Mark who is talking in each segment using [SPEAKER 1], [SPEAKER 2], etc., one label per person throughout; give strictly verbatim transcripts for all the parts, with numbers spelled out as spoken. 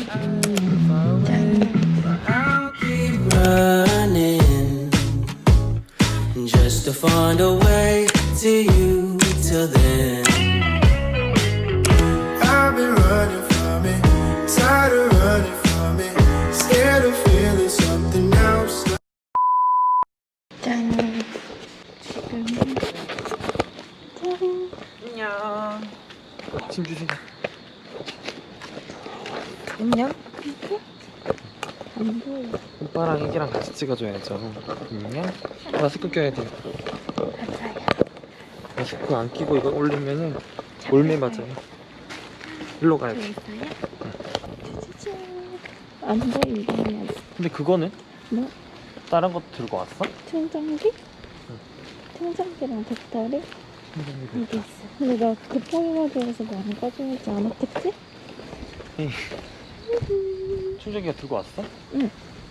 [SPEAKER 1] running just to find a way to you till then. I've been running from it, tired of running from it, scared of feeling something else.
[SPEAKER 2] 짠. 지금 짠.
[SPEAKER 3] 안녕. 짐 주세요.
[SPEAKER 2] 안녕. 이렇게? 안 보여.
[SPEAKER 3] 오빠랑 애기랑 같이 찍어줘야죠. 안녕. 마스크 껴야 돼요.
[SPEAKER 2] 맞아요.
[SPEAKER 3] 마스크 안 끼고 이거 올리면은 올매 맞아요. 일로 가야 돼.
[SPEAKER 2] 있어요? 짜자잔. 안 보인다면.
[SPEAKER 3] 근데 그거는?
[SPEAKER 2] 뭐?
[SPEAKER 3] 다른 것도 들고 왔어?
[SPEAKER 2] 충전기?
[SPEAKER 3] 응.
[SPEAKER 2] 충전기랑 배터리?
[SPEAKER 3] 충전기
[SPEAKER 2] 여기 있어. 근데 나 급하게 가져와서 많이 가져오지 않았겠지?
[SPEAKER 3] 에이. 충전기가 들고 왔어?
[SPEAKER 2] 응.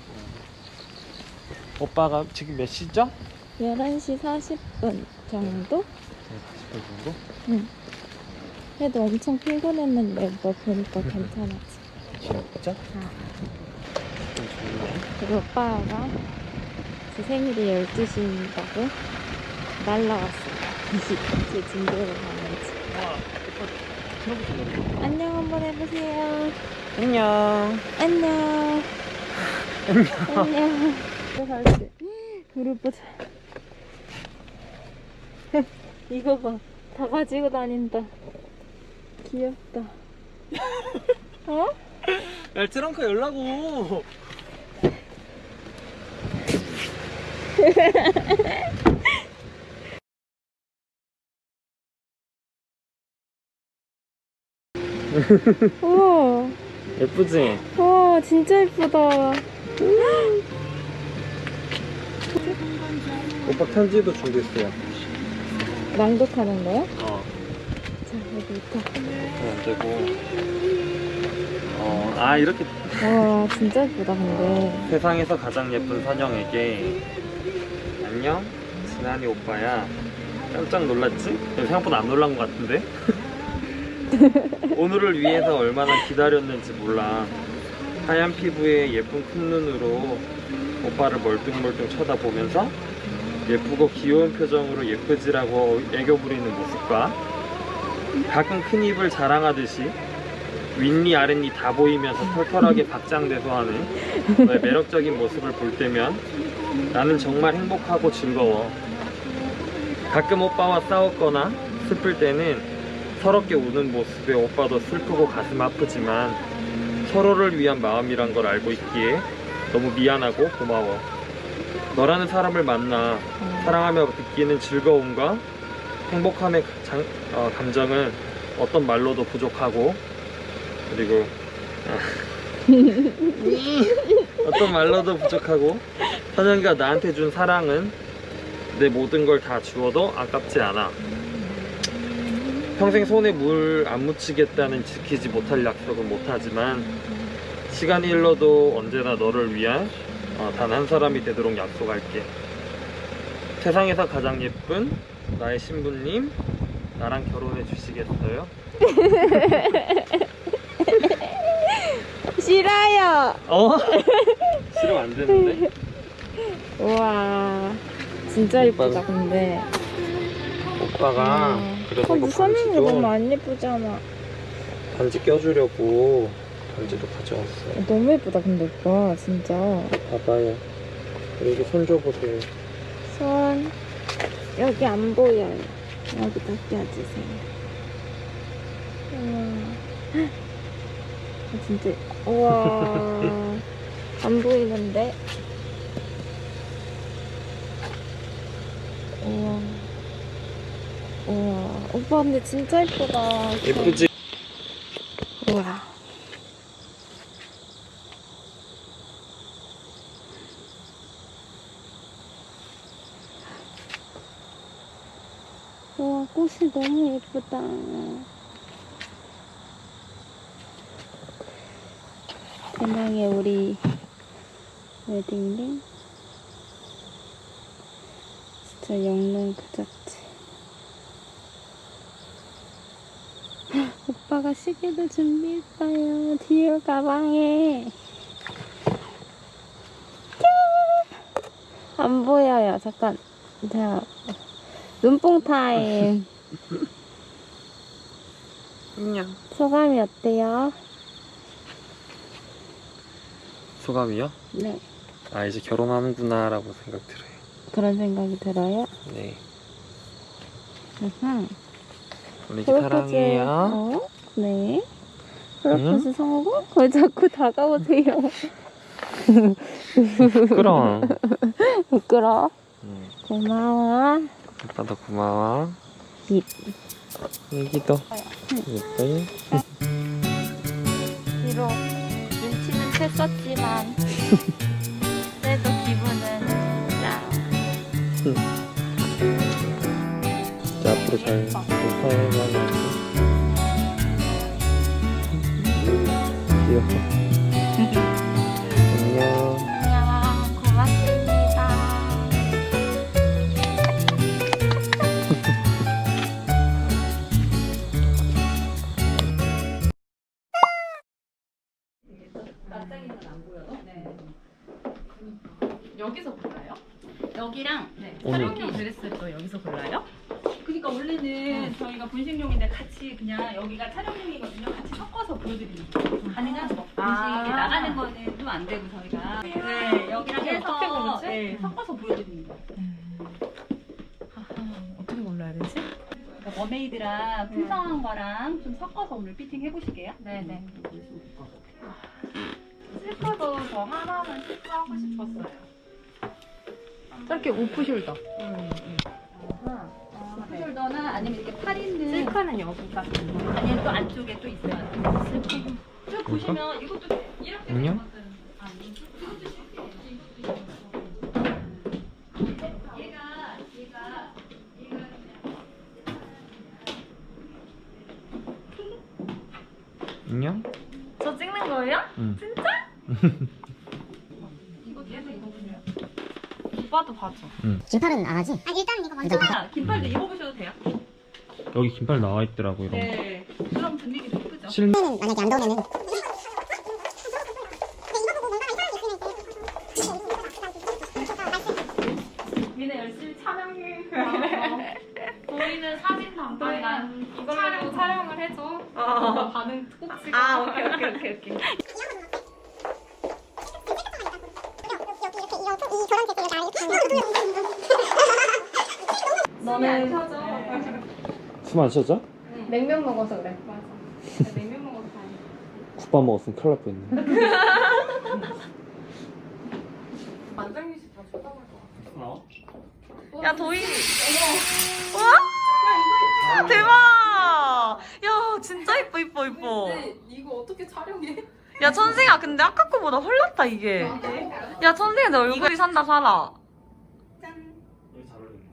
[SPEAKER 3] 오빠가 지금 몇 시죠?
[SPEAKER 2] 열한 시 사십 분 정도?
[SPEAKER 3] 네, 사십 분 정도?
[SPEAKER 2] 응. 그래도 엄청 피곤했는데 뭐 보니까 괜찮았지.
[SPEAKER 3] 진짜?
[SPEAKER 2] 아.
[SPEAKER 3] 좀 좋네.
[SPEAKER 2] 그리고 오빠가 제 생일이 열두 시인다고 날라왔어요. 제 진도를 가는지.
[SPEAKER 3] 와, 오빠 들어보자.
[SPEAKER 2] 안녕 한번 해보세요.
[SPEAKER 3] 안녕.
[SPEAKER 2] 안녕. 안녕. 안녕. 갈지. 그룹 보자. 이거 봐. 다 가지고 다닌다. 귀엽다. 어?
[SPEAKER 3] 야, 트렁크 열라고.
[SPEAKER 2] 우와.
[SPEAKER 3] 예쁘지?
[SPEAKER 2] 와 진짜 예쁘다.
[SPEAKER 3] 오빠 편지도 준비했어요.
[SPEAKER 2] 낭독하는 거야?
[SPEAKER 3] 어.
[SPEAKER 2] 자 여기부터.
[SPEAKER 3] 그럼 안 되고. 어, 아, 이렇게.
[SPEAKER 2] 와 진짜 예쁘다 근데.
[SPEAKER 3] 세상에서 가장 예쁜 선영에게. 안녕, 진한이 오빠야. 깜짝 놀랐지? 생각보다 안 놀란 것 같은데? 오늘을 위해서 얼마나 기다렸는지 몰라. 하얀 피부에 예쁜 큰 눈으로 오빠를 멀뚱멀뚱 쳐다보면서 예쁘고 귀여운 표정으로 예쁘지라고 애교 부리는 모습과 가끔 큰 입을 자랑하듯이 윗니 아랫니 다 보이면서 털털하게 박장대소 하는 너의 매력적인 모습을 볼 때면 나는 정말 행복하고 즐거워. 가끔 오빠와 싸웠거나 슬플 때는 서럽게 우는 모습에 오빠도 슬프고 가슴 아프지만 서로를 위한 마음이란 걸 알고 있기에 너무 미안하고 고마워. 너라는 사람을 만나 사랑하며 느끼는 즐거움과 행복함의 장, 어, 감정은 어떤 말로도 부족하고, 그리고 아, 어떤 말로도 부족하고 선영이가 나한테 준 사랑은 내 모든 걸 다 주어도 아깝지 않아. 평생 손에 물 안 묻히겠다는 지키지 못할 약속은 못하지만 시간이 흘러도 언제나 너를 위한 어, 단 한 사람이 되도록 약속할게. 세상에서 가장 예쁜 나의 신부님, 나랑 결혼해 주시겠어요?
[SPEAKER 2] 싫어요.
[SPEAKER 3] 어? 싫으면 안 되는데.
[SPEAKER 2] 우와 진짜 예쁘다 근데.
[SPEAKER 3] 오빠가
[SPEAKER 2] 음.
[SPEAKER 3] 그래서
[SPEAKER 2] 어,
[SPEAKER 3] 이거
[SPEAKER 2] 선생님
[SPEAKER 3] 반지도
[SPEAKER 2] 너무 안 예쁘잖아.
[SPEAKER 3] 반지 껴주려고 반지도 가져왔어요.
[SPEAKER 2] 너무 예쁘다 근데 오빠 진짜.
[SPEAKER 3] 봐봐요. 여기 손 줘보세요.
[SPEAKER 2] 손 여기 안 보여요. 여기다 껴주세요. 우와 아, 진짜 우와 안 보이는데. 우와 우와 오빠 근데 진짜 예쁘다.
[SPEAKER 3] 예쁘지?
[SPEAKER 2] 우와 우와 꽃이 너무 예쁘다. 대망의 우리 웨딩링 진짜 영롱 그 자체. 오빠 오빠가 시계도 준비했어요. 뒤에 가방에. 안 보여요. 잠깐. 자, 눈뽕 타임.
[SPEAKER 3] 안녕.
[SPEAKER 2] 소감이 어때요?
[SPEAKER 3] 소감이요?
[SPEAKER 2] 네.
[SPEAKER 3] 아 이제 결혼하는구나라고 생각 들어요.
[SPEAKER 2] 그런 생각이 들어요?
[SPEAKER 3] 네.
[SPEAKER 2] 으흠.
[SPEAKER 3] 우리
[SPEAKER 2] 프로포즈,
[SPEAKER 3] 사랑해요.
[SPEAKER 2] 어? 네. 프로포즈 성공? 왜 자꾸 다가오세요?
[SPEAKER 3] 부끄러워.
[SPEAKER 2] 부끄러워?
[SPEAKER 3] 응.
[SPEAKER 2] 고마워.
[SPEAKER 3] 오빠도 고마워.
[SPEAKER 2] 입.
[SPEAKER 3] 여기도 예뻐요.
[SPEAKER 2] 비록 눈치는 챘었지만 그래도 기분은 짱.
[SPEAKER 3] 자 앞으로 잘 못하면 귀여워. 안녕.
[SPEAKER 2] 안녕. 고맙습니다.
[SPEAKER 4] 여기서 골라요? 여기랑 네.
[SPEAKER 3] 오늘.
[SPEAKER 4] 촬영용 드레스도 여기서 골라요? 그러니까 원래는 저희가 분식용인데 같이 그냥 여기가 촬영용이거든요. 같이 섞어서 보여드리는 거예요. 가능한 거. 분식
[SPEAKER 2] 아.
[SPEAKER 4] 나가는 거는 좀 안 되고 저희가 네 여기랑 해서
[SPEAKER 2] 어떻게 고르지?
[SPEAKER 4] 네, 섞어서 보여드리는 거예요.
[SPEAKER 5] 어떻게 골라야 되지?
[SPEAKER 4] 그러니까 머메이드랑 풍성한 거랑 좀 섞어서 오늘 피팅 해보실게요.
[SPEAKER 2] 네네.
[SPEAKER 4] 실크도 저 하나는 실크하고 싶었어요.
[SPEAKER 5] 짧게 오프숄더.
[SPEAKER 4] 오프숄더나 아니면 이렇게 팔 있는
[SPEAKER 2] 실크는 여기가.
[SPEAKER 4] 아니면 또 안쪽에 또 있어요. 실크. 쭉 보시면 이것도 이렇게
[SPEAKER 3] 안녕.
[SPEAKER 4] 아, 이것도 실크예요. 이것도 이것도. 얘가 얘가 얘가
[SPEAKER 3] 안녕.
[SPEAKER 2] 저 찍는 거예요?
[SPEAKER 3] 응.
[SPEAKER 4] 이거 얘도 입어보세요.
[SPEAKER 2] 오빠도 봐줘.
[SPEAKER 6] 긴팔은 안 하지? 아 일단 이거 먼저
[SPEAKER 4] 아, 긴팔도 입어보셔도 돼요.
[SPEAKER 3] 여기 긴팔 나와 있더라고 이런 거.
[SPEAKER 4] 네. 그럼 분위기도 예쁘죠.
[SPEAKER 3] 실
[SPEAKER 6] 는 만약에 안 더우면은
[SPEAKER 4] 얘네 열심히 촬영해.
[SPEAKER 2] 보이는 사진 담당이랑 이걸로 촬영을 해줘. 반응 꼭 찍어.
[SPEAKER 4] 아 오케이 오케이 오케이 오케이.
[SPEAKER 2] 너는
[SPEAKER 3] 숨 안 쉬어져?
[SPEAKER 2] 냉면 먹어서 그래. 맞아. 냉면 먹어서 다행이야.
[SPEAKER 3] 국밥 먹었으면 큰일 날 뻔했네.
[SPEAKER 2] 만장일치 다 쳐다볼 것
[SPEAKER 3] 어?
[SPEAKER 5] 야 도희. 와 대박. 야 진짜 이뻐 이뻐 이뻐.
[SPEAKER 2] 이거 어떻게 촬영해?
[SPEAKER 5] 야 천생아 근데 아까 거보다 헐났다 이게. 야 천생아 내 얼굴이 산다 살아.
[SPEAKER 3] 여기 잘 어울리네.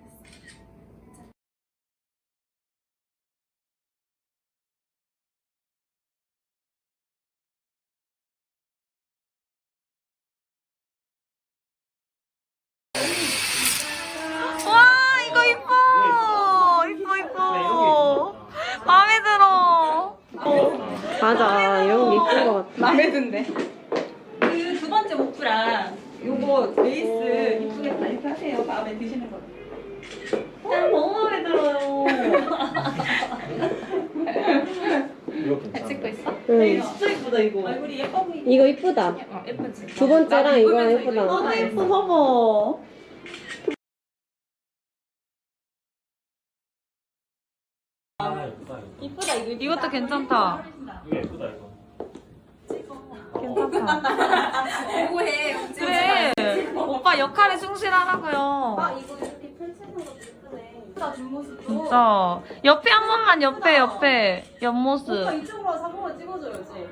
[SPEAKER 5] 와 이거 이뻐 이뻐 이뻐. 마음에 들어.
[SPEAKER 2] 맞아. 이런 게 이쁜 것 같아.
[SPEAKER 4] 마음에 든대. 그 두 번째 목프랑 요거 레이스 이쁘겠다 이렇게 하세요. 마음에 드시는 거.
[SPEAKER 5] 어, 너무 마음에 들어요.
[SPEAKER 3] 이거 괜찮아.
[SPEAKER 2] 찍고 있어?
[SPEAKER 5] 응. 진짜 이쁘다 이거.
[SPEAKER 4] 얼굴이 예뻐 보이네.
[SPEAKER 2] 이거 이쁘다.
[SPEAKER 4] 어, 예쁘지.
[SPEAKER 2] 두 번째랑 이거랑 예쁘다.
[SPEAKER 5] 너무 예뻐 봐봐.
[SPEAKER 3] 아 예쁘다 이거.
[SPEAKER 4] 이쁘다 이거.
[SPEAKER 5] 이것도 괜찮다.
[SPEAKER 3] 이거 예쁘다 이거.
[SPEAKER 5] 괜찮다.
[SPEAKER 4] 뭐해?
[SPEAKER 5] 그래. 오빠 역할에 충실하라고요.
[SPEAKER 2] 이거 이렇게 펼치는 것도 예쁘네.
[SPEAKER 4] 나 뒷모습도.
[SPEAKER 5] 진짜. 옆에 한 번만 옆에 옆에 옆모습.
[SPEAKER 4] 오빠 이쪽으로 와서 한 번만 찍어줘야지.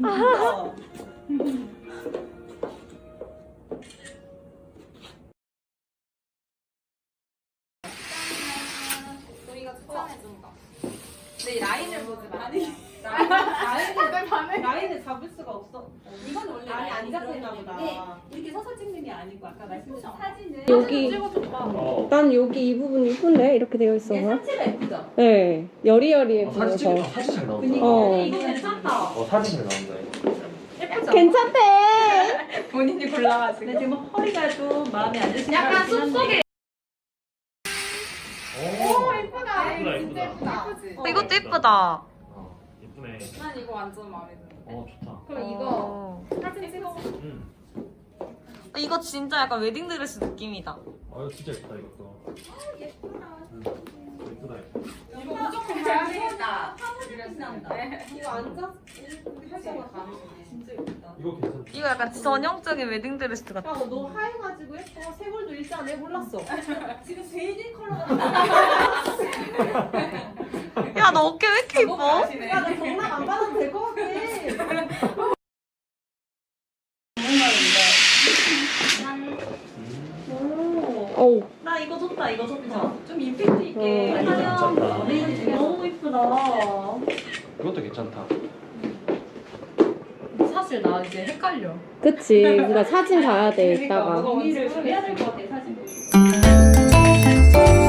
[SPEAKER 2] 저희가 추천해준 거.
[SPEAKER 4] 근데 이 라인을 보지 마. 아니 라인을 라인을 라인을 잡을 수 수가 없어. 이건 원래 안에 안 잡혔나 보다. 이렇게 서서 찍는 게 아니고 아까 말씀드린 사진은
[SPEAKER 2] 여기
[SPEAKER 3] 어.
[SPEAKER 2] 난 여기 이 부분 이쁜데 이렇게 되어 있어서.
[SPEAKER 4] 상체가 예쁘죠?
[SPEAKER 2] 네, 여리여리해
[SPEAKER 3] 어, 사진 찍
[SPEAKER 2] 보여서.
[SPEAKER 3] 사진 잘 나온다.
[SPEAKER 4] 그니까
[SPEAKER 2] 어.
[SPEAKER 4] 이거 괜찮다.
[SPEAKER 3] 어 사진 잘 나온다 이거.
[SPEAKER 4] 예쁘죠?
[SPEAKER 2] 괜찮대.
[SPEAKER 4] 본인이 골라가지고. 근데 지금 허리가 좀 마음에 안 드시는 약간 숲속에.
[SPEAKER 3] 오 예쁘다 예쁘다.
[SPEAKER 5] 어, 이것도 예쁘다.
[SPEAKER 3] 어 예쁘네.
[SPEAKER 7] 난 이거 완전 마음에 드는.
[SPEAKER 3] 어 좋다.
[SPEAKER 7] 그럼 이거
[SPEAKER 5] 어.
[SPEAKER 7] 사진 찍어.
[SPEAKER 3] 응.
[SPEAKER 5] 이거 진짜 약간 웨딩드레스 느낌이다.
[SPEAKER 3] 어 이거 진짜 예쁘다 이것도. 예쁘다. 응. 예쁘다 예쁘다.
[SPEAKER 7] 이거 무조건 봐야 되겠다.
[SPEAKER 4] 이거 앉아? 살짝만 가리시네. 진짜 예쁘다.
[SPEAKER 3] 이거 괜찮다.
[SPEAKER 5] 이거 약간 전형적인 웨딩드레스 같아.
[SPEAKER 4] 야, 너 하얘가지고 예뻐. 쇄골도 일자네. 몰랐어. 지금 베이지 컬러가
[SPEAKER 5] 야, 너 어깨 왜 이렇게 이뻐?
[SPEAKER 4] 야, 나 경락 안 받아도 될 것 같아.
[SPEAKER 2] 어우,
[SPEAKER 4] 나 이거 좋다. 이거 좋다. 좀 임팩트 있게.
[SPEAKER 2] 어,
[SPEAKER 3] 이거 괜찮다.
[SPEAKER 4] 되게 너무 이쁘다.
[SPEAKER 3] 이것도 괜찮다.
[SPEAKER 7] 사실 나 이제 헷갈려.
[SPEAKER 2] 그치. 그러니까 사진 봐야 돼, 이따가.
[SPEAKER 4] 의미를 좀 해야 될 것 같아, 사진.